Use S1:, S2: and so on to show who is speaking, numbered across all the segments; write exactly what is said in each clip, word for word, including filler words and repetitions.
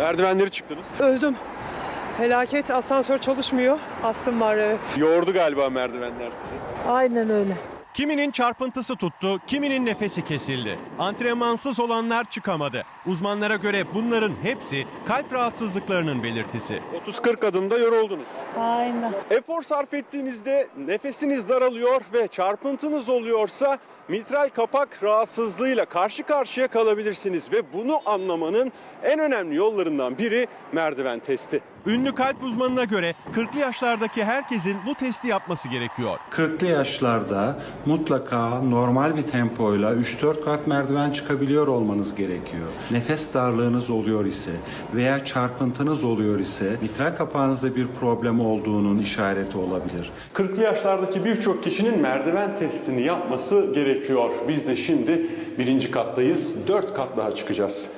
S1: Merdivenleri çıktınız.
S2: Öldüm. Felaket, asansör çalışmıyor. Astım var, evet.
S1: Yordu galiba merdivenler sizi.
S3: Aynen öyle.
S4: Kiminin çarpıntısı tuttu, kiminin nefesi kesildi. Antrenmansız olanlar çıkamadı. Uzmanlara göre bunların hepsi kalp rahatsızlıklarının belirtisi.
S1: otuz kırk adımda yoruldunuz.
S3: Aynen.
S1: Efor sarf ettiğinizde nefesiniz daralıyor ve çarpıntınız oluyorsa mitral kapak rahatsızlığıyla karşı karşıya kalabilirsiniz ve bunu anlamanın en önemli yollarından biri merdiven testi.
S4: Ünlü kalp uzmanına göre kırklı yaşlardaki herkesin bu testi yapması gerekiyor.
S5: kırklı yaşlarda mutlaka normal bir tempoyla üç dört kat merdiven çıkabiliyor olmanız gerekiyor. Nefes darlığınız oluyor ise veya çarpıntınız oluyor ise mitral kapağınızda bir problem olduğunun işareti olabilir.
S1: kırklı yaşlardaki birçok kişinin merdiven testini yapması gerekiyor. Biz de şimdi birinci kattayız. dört kat daha çıkacağız.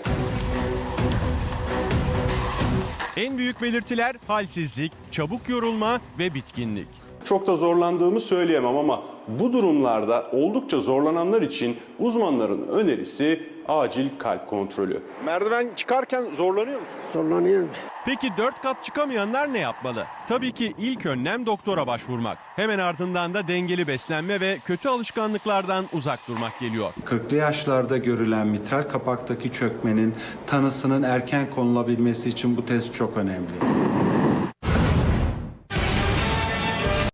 S4: En büyük belirtiler halsizlik, çabuk yorulma ve bitkinlik.
S1: Çok da zorlandığımı söyleyemem ama bu durumlarda oldukça zorlananlar için uzmanların önerisi acil kalp kontrolü. Merdiven çıkarken zorlanıyor musun?
S2: Zorlanıyorum.
S4: Peki dört kat çıkamayanlar ne yapmalı? Tabii ki ilk önlem doktora başvurmak. Hemen ardından da dengeli beslenme ve kötü alışkanlıklardan uzak durmak geliyor.
S5: kırklı yaşlarda görülen mitral kapaktaki çökmenin tanısının erken konulabilmesi için bu test çok önemli.